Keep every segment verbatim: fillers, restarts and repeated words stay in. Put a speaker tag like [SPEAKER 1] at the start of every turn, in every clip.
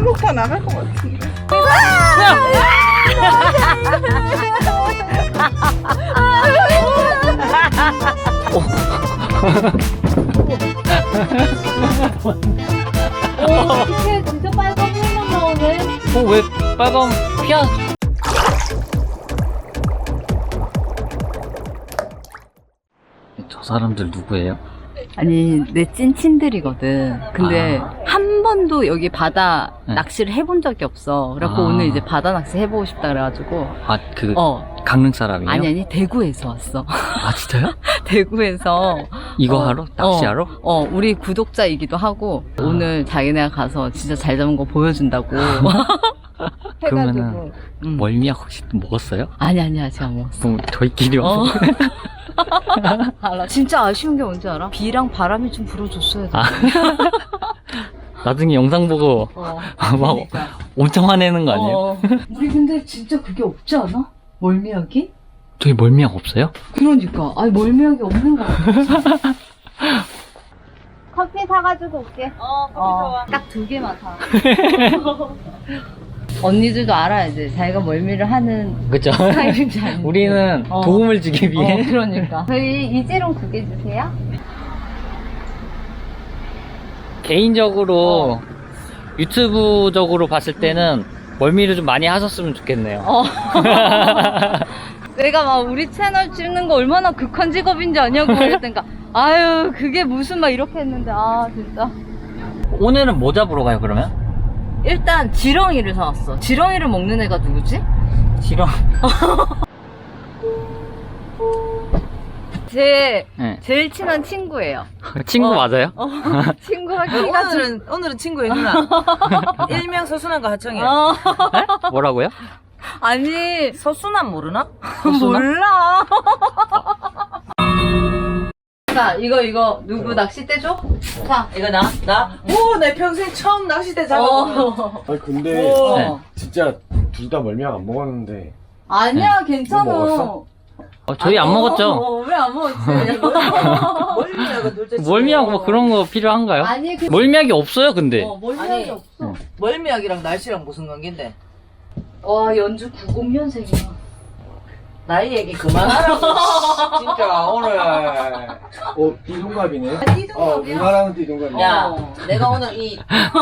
[SPEAKER 1] 한국파 나갈 것 같은데.
[SPEAKER 2] 오, 이게 진짜 빨간 물만 나오네.
[SPEAKER 3] 어, 왜 빨간 피아? 저 사람들 누구예요?
[SPEAKER 2] 아니, 내 찐친들이거든. 근데
[SPEAKER 3] 아.
[SPEAKER 2] 한 번도 여기 바다
[SPEAKER 3] 네.
[SPEAKER 2] 낚시를 해본 적이 없어. 그래갖고
[SPEAKER 3] 아.
[SPEAKER 2] 오늘 이제 바다 낚시 해보고 싶다 그래가지고.
[SPEAKER 3] 아, 그
[SPEAKER 2] 어.
[SPEAKER 3] 강릉 사람이에요?
[SPEAKER 2] 아니, 아니, 대구에서 왔어.
[SPEAKER 3] 아, 진짜요?
[SPEAKER 2] 대구에서.
[SPEAKER 3] 이거
[SPEAKER 2] 어,
[SPEAKER 3] 하러? 낚시하러?
[SPEAKER 2] 어, 어, 우리 구독자이기도 하고, 오늘 자기네가 가서 진짜 잘 잡은 거 보여준다고.
[SPEAKER 3] 그러면은
[SPEAKER 2] 음.
[SPEAKER 3] 멀미약 혹시 또 먹었어요?
[SPEAKER 2] 아니, 아니, 아직 안 먹었어.
[SPEAKER 3] 그럼 저희끼리 와서
[SPEAKER 2] 어. 알아. 진짜 아쉬운 게 뭔지 알아? 비랑 바람이 좀 불어줬어야 돼.
[SPEAKER 3] 아. 나중에 영상 보고
[SPEAKER 2] 어.
[SPEAKER 3] 막
[SPEAKER 2] 그러니까.
[SPEAKER 3] 엄청 화내는 거 아니에요?
[SPEAKER 2] 어. 우리 근데 진짜 그게 없지 않아? 멀미약이?
[SPEAKER 3] 저희 멀미약 없어요?
[SPEAKER 2] 그러니까. 아니, 멀미약이 없는 거 같아. 커피 사가지고 올게. 어, 커피 좋아. 딱 두 개만 사. 언니들도 알아야지. 자기가 멀미를 하는
[SPEAKER 3] 그쵸?
[SPEAKER 2] 스타일인지 아닌지.
[SPEAKER 3] 우리는
[SPEAKER 2] 어.
[SPEAKER 3] 도움을 주기 위해
[SPEAKER 2] 어, 그러니까. 저희 이재롱 두 개 주세요.
[SPEAKER 3] 개인적으로 유튜브적으로 봤을 때는 멀미를 좀 많이 하셨으면 좋겠네요.
[SPEAKER 2] 어. 내가 막 우리 채널 찍는 거 얼마나 극한 직업인지 아냐고 그랬더니까 아유 그게 무슨 막 이렇게 했는데 아 진짜.
[SPEAKER 3] 오늘은 뭐 잡으러 가요 그러면?
[SPEAKER 2] 일단 지렁이를 사왔어. 지렁이를 먹는 애가 누구지?
[SPEAKER 3] 싫어.
[SPEAKER 2] 제
[SPEAKER 3] 네.
[SPEAKER 2] 제일 친한 친구예요.
[SPEAKER 3] 친구
[SPEAKER 2] 어.
[SPEAKER 3] 맞아요?
[SPEAKER 2] 어, 친구가 키가 좀-
[SPEAKER 4] 오늘은 오늘은 친구의 누나 일명 서순환과 하청이야.
[SPEAKER 2] 어,
[SPEAKER 3] 네? 뭐라고요?
[SPEAKER 2] 아니
[SPEAKER 4] 서순환 모르나?
[SPEAKER 2] 몰라. 자 이거 이거 누구 낚싯대 줘? 자
[SPEAKER 4] 이거 나? 나? 오, 내 평생 처음 낚싯대 잡아보는.
[SPEAKER 2] 어.
[SPEAKER 5] 아니 근데
[SPEAKER 2] 어.
[SPEAKER 3] 네.
[SPEAKER 5] 진짜 둘 다 멀미약 안 먹었는데
[SPEAKER 2] 아니야 괜찮아.
[SPEAKER 5] 너 먹었어?
[SPEAKER 3] 어, 저희 안 먹었죠?
[SPEAKER 2] 어, 왜 안 먹었지?
[SPEAKER 4] 멀미약은 둘째 친구.
[SPEAKER 3] 멀미약 뭐 그런 거 필요한가요?
[SPEAKER 2] 아니 그
[SPEAKER 3] 멀미약이 없어요 근데.
[SPEAKER 2] 어, 멀미약이
[SPEAKER 4] 아니.
[SPEAKER 2] 없어.
[SPEAKER 4] 멀미약이랑 날씨랑 무슨 관계인데?
[SPEAKER 2] 와 연주 구십 년생이야.
[SPEAKER 4] 나이 얘기 그만하라고. 진짜 오늘.
[SPEAKER 5] 어 띠동갑이네.
[SPEAKER 2] 띠동갑이야?
[SPEAKER 5] 어 누나랑은 띠동갑이야.
[SPEAKER 4] 야,
[SPEAKER 2] 어.
[SPEAKER 4] 내가 오늘 이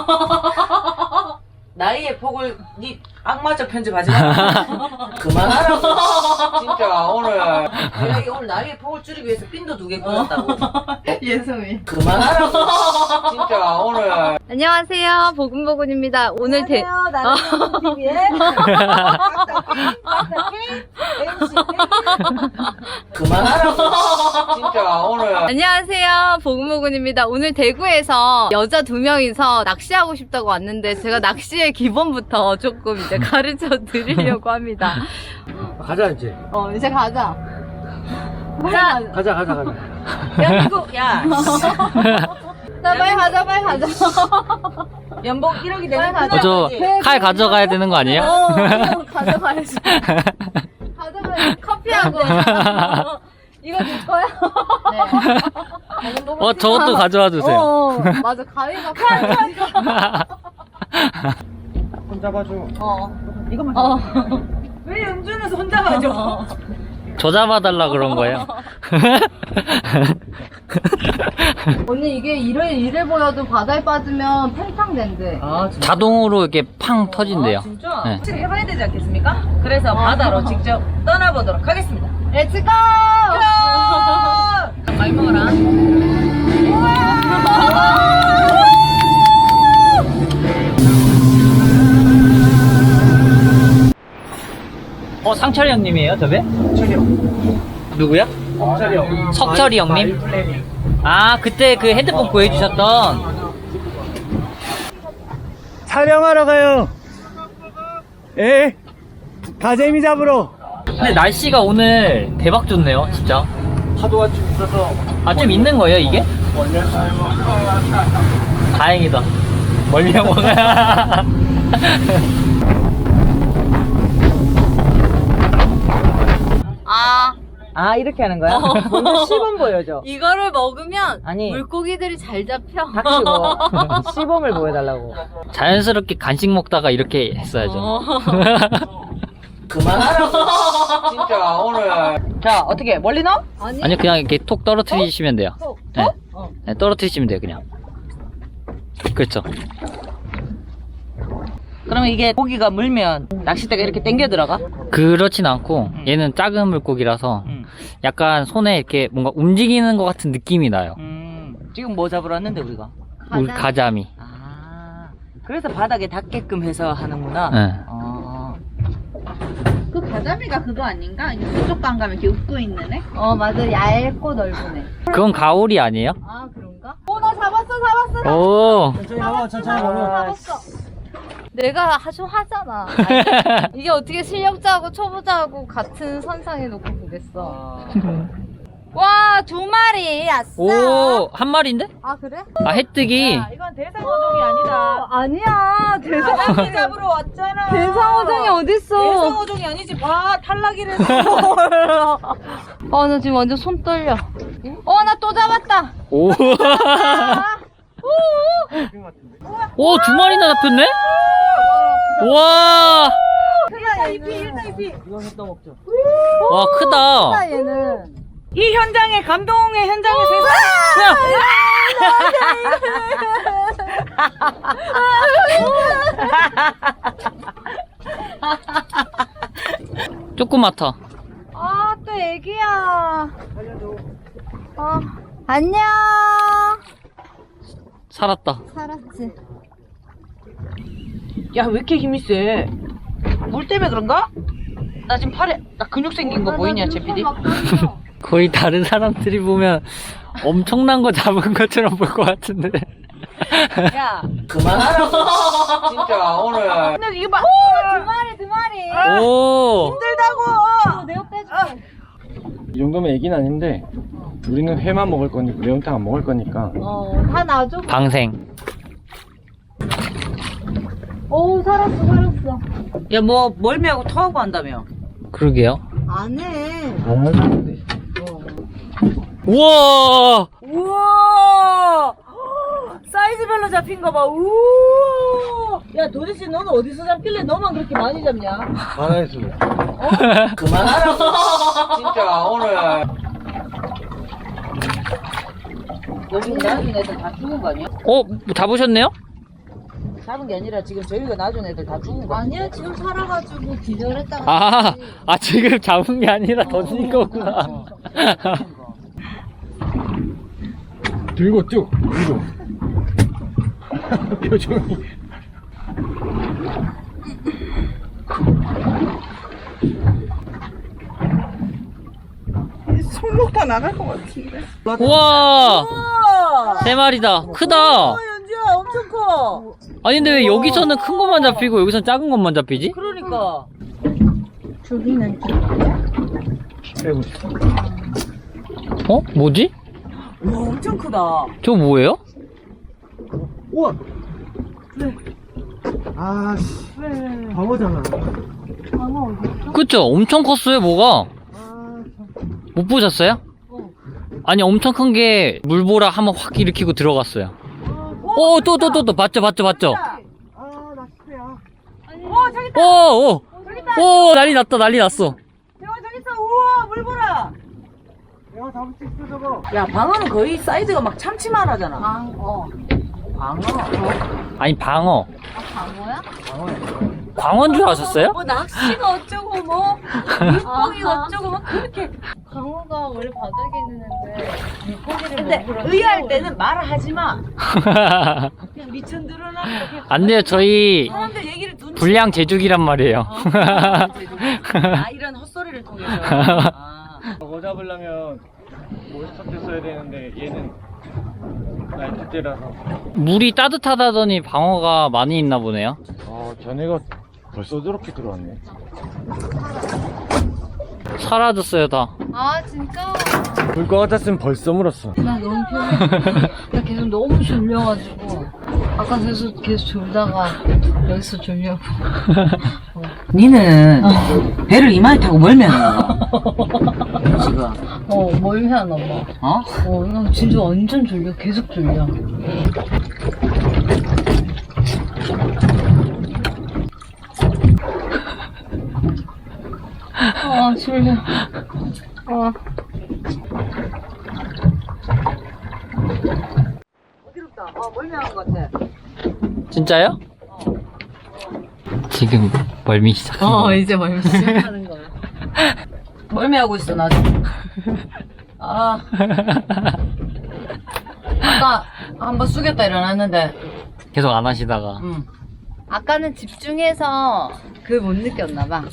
[SPEAKER 4] 나이의 폭을 니 악마적 편집하지 마. 그만하라고. 진짜 오늘 내가 이 오늘 나이의 폭을 줄이기 위해서 핀도 두 개 꽂았다고.
[SPEAKER 2] 예성이.
[SPEAKER 4] 그만하라고. 진짜 오늘.
[SPEAKER 2] 안녕하세요 보금보금입니다. 오늘 대
[SPEAKER 4] 나는 티비의 그만하라고. 진짜 오늘.
[SPEAKER 2] 안녕하세요 보금보금입니다. 오늘 대구에서 여자 두 명이서 낚시하고 싶다고 왔는데 제가 낚시의 기본부터 조금 이제 가르쳐 드리려고 합니다.
[SPEAKER 5] 가자 이제.
[SPEAKER 2] 어 이제 가자.
[SPEAKER 4] 자,
[SPEAKER 5] 가자 가자 가자.
[SPEAKER 4] 연봉, 야,
[SPEAKER 2] 자 빨리 가자 빨리 가자.
[SPEAKER 4] 연봉 일억이 되는
[SPEAKER 2] 빨리
[SPEAKER 3] 어, 저
[SPEAKER 2] 네,
[SPEAKER 3] 칼 가져가야 되는 거 아니에요?
[SPEAKER 2] 어 이거 가져가야지. 가져가야지. 커피하고. 이거 줄 거야? 네.
[SPEAKER 3] 어, 저것도 가져와 주세요.
[SPEAKER 2] 어, 어, 맞아. 가위가 칼.
[SPEAKER 5] 손 잡아줘.
[SPEAKER 2] 어.
[SPEAKER 4] 이거만.
[SPEAKER 2] 어.
[SPEAKER 4] 왜 연준은 손 잡아줘?
[SPEAKER 3] 저 잡아달라 그런 거예요.
[SPEAKER 2] 언니 이게 이래 이래 보여도 바다에 빠지면 팽창 된대.
[SPEAKER 4] 아, 진짜.
[SPEAKER 3] 자동으로 이렇게 팡 터진대요.
[SPEAKER 4] 아, 진짜?
[SPEAKER 3] 네.
[SPEAKER 4] 확실히 해봐야 되지 않겠습니까? 그래서 바다로 직접 떠나보도록 하겠습니다.
[SPEAKER 2] 렛츠 고!
[SPEAKER 4] 많이 먹어라.
[SPEAKER 3] 어, 상철이 형님이에요, 저게?
[SPEAKER 5] 철이 형.
[SPEAKER 3] 누구야?
[SPEAKER 5] 철이 형.
[SPEAKER 3] 석철이 형님? 아, 그때 그 핸드폰 구해주셨던.
[SPEAKER 5] 촬영하러 가요. 예. 가재미 잡으러.
[SPEAKER 3] 근데 날씨가 오늘 대박 좋네요, 진짜.
[SPEAKER 5] 파도가 좀 있어서
[SPEAKER 3] 아, 좀 있는 거예요, 이게? 다행이다. 멀리 형 먹어야.
[SPEAKER 2] 아,
[SPEAKER 4] 아, 이렇게 하는 거야? 먼저 시범 보여줘.
[SPEAKER 2] 이거를 먹으면
[SPEAKER 4] 아니.
[SPEAKER 2] 물고기들이 잘 잡혀.
[SPEAKER 4] 닥치고 시범을 보여달라고.
[SPEAKER 3] 자연스럽게 간식 먹다가 이렇게 했어야죠.
[SPEAKER 2] 어.
[SPEAKER 4] 그만하라고. 진짜 오늘. 자, 어떻게 멀리 넣어?
[SPEAKER 2] 아니,
[SPEAKER 3] 아니 그냥 이렇게 톡 떨어뜨리시면 돼요.
[SPEAKER 2] 톡,
[SPEAKER 3] 네.
[SPEAKER 2] 어.
[SPEAKER 3] 네, 떨어뜨리시면 돼요 그냥. 그렇죠.
[SPEAKER 4] 그러면 이게 고기가 물면 낚싯대가 이렇게 당겨 들어가?
[SPEAKER 3] 그렇진 않고 얘는 작은 물고기라서
[SPEAKER 4] 음.
[SPEAKER 3] 약간 손에 이렇게 뭔가 움직이는 것 같은 느낌이 나요.
[SPEAKER 4] 음. 지금 뭐 잡으러 왔는데 우리가?
[SPEAKER 3] 우리 가자미.
[SPEAKER 4] 아. 그래서 바닥에 닿게끔 해서 하는구나.
[SPEAKER 3] 네.
[SPEAKER 4] 어.
[SPEAKER 1] 그 가자미가 그거 아닌가? 이게 그쪽 강 가면 이렇게 웃고 있는 애?
[SPEAKER 2] 어, 맞아. 얇고 넓은 애.
[SPEAKER 3] 그건 가오리 아니에요?
[SPEAKER 2] 아, 그런가? 어, 나 잡았어, 잡았어.
[SPEAKER 3] 오.
[SPEAKER 5] 천천히 가봐, 천천히 가봐.
[SPEAKER 2] 잡았어. 내가 아주 하잖아. 이게 어떻게 실력자하고 초보자하고 같은 선상에 놓고 보겠어. 와, 두 마리. 아싸.
[SPEAKER 3] 오, 한 마리인데?
[SPEAKER 2] 아, 그래?
[SPEAKER 3] 아, 해뜨기.
[SPEAKER 4] 이건 대상어종이 아니다.
[SPEAKER 2] 아니야. 대상,
[SPEAKER 4] 바닥에 잡으러 왔잖아.
[SPEAKER 2] 대상어종이 어딨어.
[SPEAKER 4] 대상어종이 아니지. 봐, 탈락이랬어.
[SPEAKER 2] 아, 나 지금 완전 손 떨려. 어, 나 또 잡았다.
[SPEAKER 3] 오. 오, 두 마리나 잡혔네? 와.
[SPEAKER 4] 이거 했다 먹자.
[SPEAKER 3] 와, 크다.
[SPEAKER 2] 크다, 얘는.
[SPEAKER 4] 이 현장에 감동의 현장에 세상.
[SPEAKER 3] 조그맣다.
[SPEAKER 2] 아, 또 애기야. 어, 안녕.
[SPEAKER 3] 살았다.
[SPEAKER 2] 살았지.
[SPEAKER 4] 야, 왜 이렇게 힘이 세? 물 때문에 그런가? 나 지금 팔에 나 근육 생긴 거 보이냐, 제피디?
[SPEAKER 3] 거의 다른 사람들이 보면 엄청난 거 잡은 것처럼 볼 것 같은데.
[SPEAKER 4] 야, 그만하라고. 진짜 오늘. 근데 이거 봐.
[SPEAKER 2] 두 마리, 두 마리.
[SPEAKER 3] 오.
[SPEAKER 4] 힘들다고.
[SPEAKER 2] 내가 빼줄게.
[SPEAKER 5] 이 정도면 애기는 아닌데 우리는 회만 먹을 거니까 매운탕 안 먹을 거니까.
[SPEAKER 2] 어, 다 놔줘.
[SPEAKER 3] 방생.
[SPEAKER 2] 오, 살았어, 살았어.
[SPEAKER 4] 야, 뭐 멀미하고 토하고 한다며.
[SPEAKER 3] 그러게요.
[SPEAKER 2] 안 해.
[SPEAKER 5] 안 하는데.
[SPEAKER 3] 우와.
[SPEAKER 4] 우와. 사이즈별로 잡힌 거 봐. 우와. 야, 도대체 너는 어디서 잡길래 너만 그렇게 많이 잡냐?
[SPEAKER 5] 바다에서.
[SPEAKER 4] 그만하라고. 진짜 오늘. 여기 나중에 애들 다 죽은 거 아니야?
[SPEAKER 3] 어, 뭐 잡으셨네요?
[SPEAKER 4] 잡은 게 아니라 지금 저희가 나중에 애들 다 죽은 거
[SPEAKER 2] 아니야, 지금 살아가지고 기절했다가.
[SPEAKER 3] 아, 아 지금 잡은 게 아니라 던진 거구나.
[SPEAKER 5] 들고 쭉 위로. 표정이.
[SPEAKER 1] 손목 다 나갈 것 같은데.
[SPEAKER 3] 우와.
[SPEAKER 4] 우와.
[SPEAKER 3] 세 마리다. 크다.
[SPEAKER 4] 어, 연주야, 엄청 커.
[SPEAKER 3] 아니 근데 왜 여기서는 큰 것만 잡히고 여기서는 작은 것만 잡히지?
[SPEAKER 4] 그러니까.
[SPEAKER 1] 저기는
[SPEAKER 5] 빼고 싶어.
[SPEAKER 3] 어? 뭐지?
[SPEAKER 4] 와, 엄청 크다.
[SPEAKER 3] 저거 뭐예요?
[SPEAKER 5] 우와. 아, 씨. 방어잖아.
[SPEAKER 3] 그쵸? 엄청 컸어요 뭐가. 못 보셨어요? 아니 엄청 큰 게 물보라 한번 확 일으키고 들어갔어요. 오, 또 또 또 또 봤죠 봤죠 봤죠.
[SPEAKER 1] 아 낚시야.
[SPEAKER 4] 어, 저기 있다.
[SPEAKER 3] 오, 오, 오, 난리 났다 난리 났어.
[SPEAKER 4] 대화 저기 있어. 우와, 물 보라.
[SPEAKER 5] 내가 잡을 수 있어 저거.
[SPEAKER 4] 야, 방어는 거의 사이즈가 막 참치만 하잖아.
[SPEAKER 2] 방, 어.
[SPEAKER 4] 방어.
[SPEAKER 3] 아니 방어.
[SPEAKER 2] 아, 방어야?
[SPEAKER 3] 광어인 줄 아셨어요?
[SPEAKER 4] 뭐 낚시가 어쩌고 뭐 물고기가 어쩌고 막 그렇게.
[SPEAKER 2] 방어가 원래 바닥에 있는 애인데 물고기를
[SPEAKER 4] 근데
[SPEAKER 2] 먹으러
[SPEAKER 4] 의아할 때는 말을 하지 마. 그냥 미천 드러나고 그냥
[SPEAKER 3] 안 돼요 저희
[SPEAKER 4] 사람들 얘기를 눈치.
[SPEAKER 3] 불량 제주기란 말이에요.
[SPEAKER 4] 아, 이런 헛소리를 통해서. 아.
[SPEAKER 5] 저거 잡으려면 몬스터 때 써야 되는데 얘는 나이트 때라서.
[SPEAKER 3] 물이 따뜻하다더니 방어가 많이 있나 보네요.
[SPEAKER 5] 어, 쟤네가 벌써 저렇게 들어왔네.
[SPEAKER 3] 사라졌어요 다.
[SPEAKER 2] 아, 진짜?
[SPEAKER 5] 물 것 같았으면 벌써 물었어.
[SPEAKER 2] 나 너무 피곤해. 나 계속 너무 졸려가지고. 아까 계속, 계속 졸다가 여기서 졸려고. 어.
[SPEAKER 4] 니는 배를 이마에 타고 멀면 지금
[SPEAKER 2] 어, 멀면 엄마.
[SPEAKER 4] 어?
[SPEAKER 2] 어, 나 진짜 완전 졸려. 계속 졸려. 아, 졸려. 아.
[SPEAKER 4] 어지럽다. 어 멀미한 것 같아.
[SPEAKER 3] 진짜요? 지금 멀미 시작.
[SPEAKER 2] 어, 이제 멀미 시작하는 거야.
[SPEAKER 4] 멀미하고 있어 나 지금. 아 아까 한번 숙였다 일어났는데
[SPEAKER 3] 계속 안 하시다가.
[SPEAKER 4] 응.
[SPEAKER 2] 아까는 집중해서 그 못 느꼈나 봐.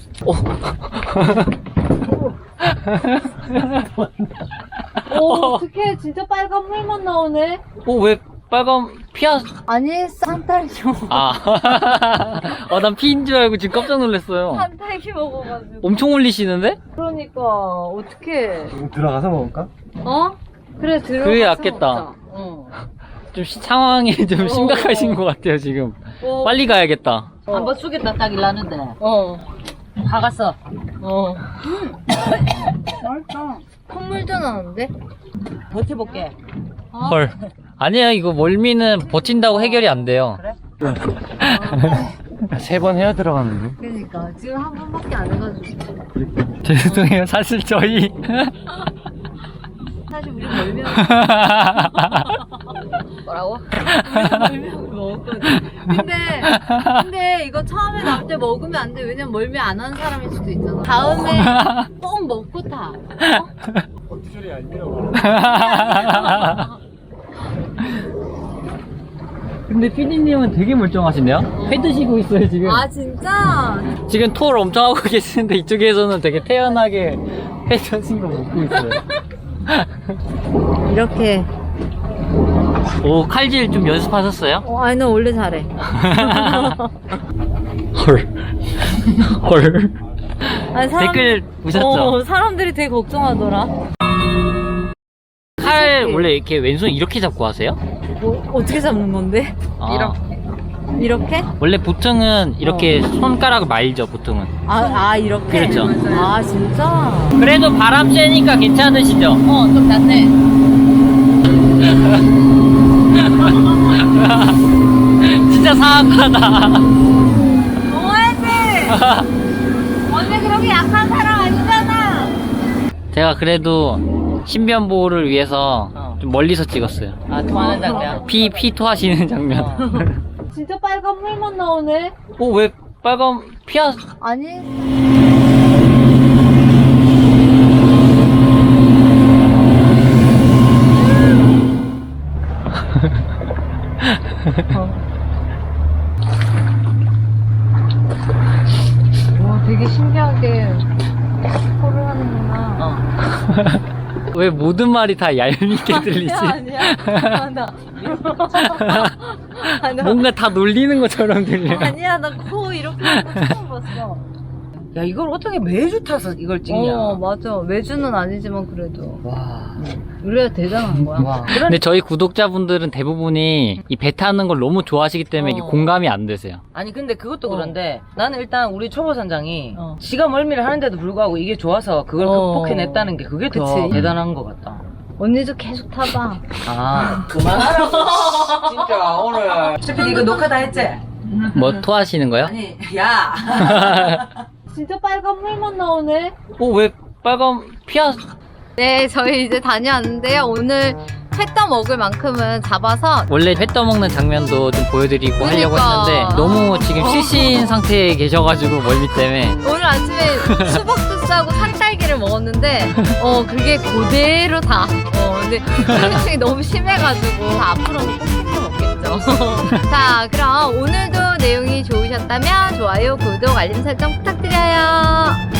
[SPEAKER 2] 오, 어떡해. 진짜 빨간 물만 나오네.
[SPEAKER 3] 어, 왜 빨간 피하?
[SPEAKER 2] 아니, 산딸기 먹어.
[SPEAKER 3] 아. 어, 난 피인 줄 알고 지금 깜짝 놀랐어요.
[SPEAKER 2] 산딸기 먹어가지고.
[SPEAKER 3] 엄청 올리시는데?
[SPEAKER 2] 그러니까, 어떡해.
[SPEAKER 5] 들어가서 먹을까?
[SPEAKER 2] 어? 그래, 들어가서
[SPEAKER 3] 그게 낫겠다.
[SPEAKER 2] 먹자. 어.
[SPEAKER 3] 좀 시- 상황이 좀 심각하신 것 같아요, 지금.
[SPEAKER 2] 어.
[SPEAKER 3] 빨리 가야겠다.
[SPEAKER 4] 한번 숙였다 딱 일어났는데
[SPEAKER 2] 어.
[SPEAKER 4] 화갔어.
[SPEAKER 2] 어. 맛있다. 콧물도 나는데?
[SPEAKER 4] 버텨볼게.
[SPEAKER 3] 헐. 아니에요, 이거 멀미는 버틴다고 해결이 안 돼요.
[SPEAKER 4] 그래?
[SPEAKER 5] 세 번 해야 들어가는데.
[SPEAKER 2] 그러니까, 지금 한 번밖에 안 해가지고.
[SPEAKER 3] 죄송해요, 사실 저희.
[SPEAKER 2] 사실 우리 멀면 뭐라고? 우리 멀면 먹었거든. 근데 근데 이거 처음에 나올 때 먹으면 안 돼. 왜냐면 멀미 안 하는 사람일 수도 있잖아. 다음에 꼭 먹고 타. 어?
[SPEAKER 5] 어투절이 아니라고.
[SPEAKER 3] 근데 피디님은 되게 멀쩡하시네요? 회 드시고 있어요, 지금.
[SPEAKER 2] 아 진짜?
[SPEAKER 3] 지금 토를 엄청 하고 계시는데 이쪽에서는 되게 태연하게 회 드신 거 먹고 있어요.
[SPEAKER 2] 이렇게.
[SPEAKER 3] 오, 칼질 좀 연습하셨어요?
[SPEAKER 2] 어, 아니 나 원래 잘해.
[SPEAKER 3] 헐. 헐.
[SPEAKER 2] 아니, 사람-
[SPEAKER 3] 댓글 보셨죠?
[SPEAKER 2] 어, 사람들이 되게 걱정하더라.
[SPEAKER 3] 칼 원래 이렇게 왼손 이렇게 잡고 하세요?
[SPEAKER 2] 뭐 어떻게 잡는 건데?
[SPEAKER 3] 아,
[SPEAKER 2] 이렇게?
[SPEAKER 3] 원래 보통은 이렇게 손가락을 말죠, 보통은.
[SPEAKER 2] 아, 아 이렇게?
[SPEAKER 3] 그렇죠.
[SPEAKER 2] 아 진짜?
[SPEAKER 3] 그래도 바람 쐬니까 괜찮으시죠?
[SPEAKER 2] 어 좀 낫네.
[SPEAKER 3] 진짜 사악하다.
[SPEAKER 2] 뭐하지? 언니 그렇게 약한 사람 아니잖아.
[SPEAKER 3] 제가 그래도 신변 보호를 위해서
[SPEAKER 4] 어.
[SPEAKER 3] 좀 멀리서 찍었어요.
[SPEAKER 4] 아 토하는 장면.
[SPEAKER 3] 피, 피 토하시는 장면.
[SPEAKER 4] 어.
[SPEAKER 2] 진짜 빨간 물만 나오네.
[SPEAKER 3] 어, 왜 빨간 피하,
[SPEAKER 2] 아니. 와 되게 신기하게 코를 하는구나.
[SPEAKER 4] 어.
[SPEAKER 3] 왜 모든 말이 다 얄밉게 들리지?
[SPEAKER 2] 아니야 아니야. 나. 아, 나-
[SPEAKER 3] 뭔가 다 놀리는 것처럼 들려.
[SPEAKER 2] 아니야 나 코 이렇게 하는 거 처음 봤어.
[SPEAKER 4] 야 이걸 어떻게 매주 타서 이걸 찍냐?
[SPEAKER 2] 어 맞아 매주는 아니지만 그래도
[SPEAKER 4] 와.
[SPEAKER 2] 우리가 대단한 거야.
[SPEAKER 4] 와.
[SPEAKER 3] 근데 저희 구독자분들은 대부분이 이 배 타는 걸 너무 좋아하시기 때문에 이게
[SPEAKER 4] 어.
[SPEAKER 3] 공감이 안 되세요.
[SPEAKER 4] 아니 근데 그것도
[SPEAKER 2] 어.
[SPEAKER 4] 그런데 나는 일단 우리 초보 선장이
[SPEAKER 2] 어.
[SPEAKER 4] 지가 멀미를 하는데도 불구하고 이게 좋아서 그걸
[SPEAKER 2] 어.
[SPEAKER 4] 극복해냈다는 게 그게 더
[SPEAKER 2] 그치.
[SPEAKER 4] 대단한 것 같다.
[SPEAKER 2] 언니도 계속 타봐.
[SPEAKER 4] 아 그만하라고. 진짜 오늘. 셰피 이거 녹화 다 했지?
[SPEAKER 3] 뭐 토하시는 거요?
[SPEAKER 4] 아니 야.
[SPEAKER 2] 진짜 빨간 물만 나오네.
[SPEAKER 3] 어, 왜 빨간 피하,
[SPEAKER 2] 네, 저희 이제 다녀왔는데요. 오늘 회 떠 먹을 만큼은 잡아서
[SPEAKER 3] 원래 회 떠먹는 장면도 좀 보여드리고 하려고
[SPEAKER 2] 그러니까.
[SPEAKER 3] 했는데 너무 지금 실신 상태에 계셔가지고 멀미 때문에
[SPEAKER 2] 오늘 아침에 수박도 싸고 산딸기를 먹었는데 어 그게 그대로 다. 어 근데 후유증이 너무 심해가지고 앞으로는 꼭 챙겨 먹겠죠. 자, 그럼 오늘도 내용이 좋으셨다면 좋아요, 구독, 알림 설정 부탁드려요.